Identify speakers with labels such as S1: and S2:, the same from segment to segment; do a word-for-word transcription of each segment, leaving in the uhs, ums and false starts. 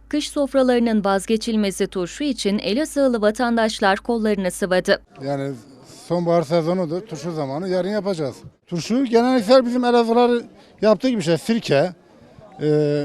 S1: Kış sofralarının vazgeçilmezi turşu için Elazığlı vatandaşlar kollarını sıvadı.
S2: Yani sonbahar sezonudur, turşu zamanı, yarın yapacağız. Turşu genellikle bizim Elazığlar yaptığı gibi şey, sirke, e,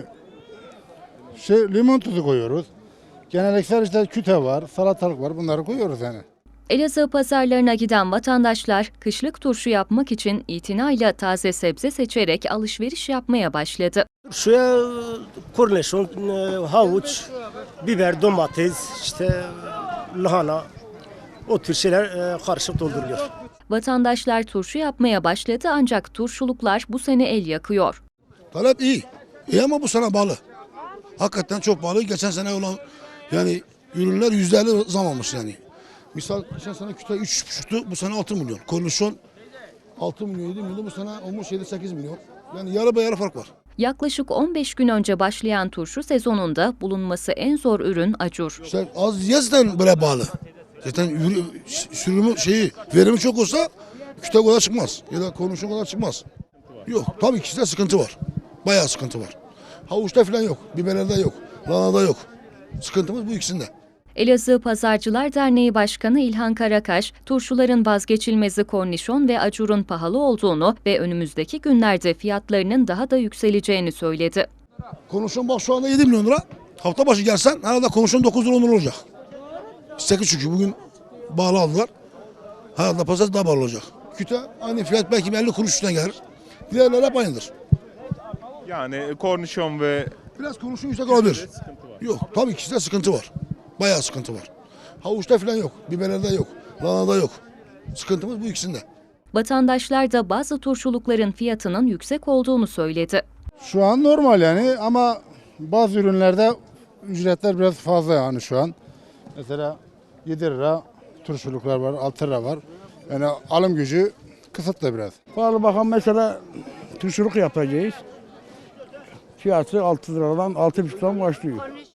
S2: şey, limon tuzu koyuyoruz. Genellikle işte küte var, salatalık var, bunları koyuyoruz yani.
S1: Elazığ pazarlarına giden vatandaşlar kışlık turşu yapmak için itinayla taze sebze seçerek alışveriş yapmaya başladı.
S3: Şuraya kornişon, havuç, biber, domates, işte lahana, o tür şeyler karışık dolduruyor.
S1: Vatandaşlar turşu yapmaya başladı ancak turşuluklar bu sene el yakıyor.
S4: Talep iyi. İyi ama bu sene pahalı. Hakikaten çok pahalı. Geçen sene olan yani ürünler yüzde elli zam almış yani. Misal geçen sene küte üç buçuktu, bu sene altı milyon. Kornişon altı milyon, yedi milyon, bu sene olmuş yedi sekiz milyon. Yani yarı be yarı fark var.
S1: Yaklaşık on beş gün önce başlayan turşu sezonunda bulunması en zor ürün acur.
S4: İşte az yazdan böyle pahalı. Zaten ürün, sürümü şeyi, verimi çok olsa küte kadar çıkmaz. Ya da kornişon kadar çıkmaz. Yok, tabii ki de sıkıntı var. Bayağı sıkıntı var. Havuçta falan yok, biberlerde yok, lahanada yok. Sıkıntımız bu ikisinde.
S1: Elazığ Pazarcılar Derneği Başkanı İlhan Karakaş, turşuların vazgeçilmezi kornişon ve acurun pahalı olduğunu ve önümüzdeki günlerde fiyatlarının daha da yükseleceğini söyledi.
S4: Kornişon bak şu anda yedi milyon lira. Hafta başı gelsen herhalde kornişon dokuz lira on lira olacak. sekiz çünkü bugün bağlı aldılar. Herhalde pazar daha bağlı olacak. Küte aynı fiyat belki elli kuruş üstüne gelir. Diğerleri hep aynıdır.
S5: Yani kornişon ve
S4: Biraz kornişon yüksek olabilir. Yok, tabii ikisinde sıkıntı var. Bayağı sıkıntı var. Havuçta falan yok, biberlerde yok, lahanada yok. Sıkıntımız bu ikisinde.
S1: Vatandaşlar da bazı turşulukların fiyatının yüksek olduğunu söyledi.
S2: Şu an normal yani ama bazı ürünlerde ücretler biraz fazla yani şu an. Mesela yedi lira turşuluklar var, altı lira var. Yani alım gücü kısıtlı biraz.
S6: Pahalı bakalım mesela turşuluk yapacağız. Fiyatı altı liradan altı buçuktan başlıyor.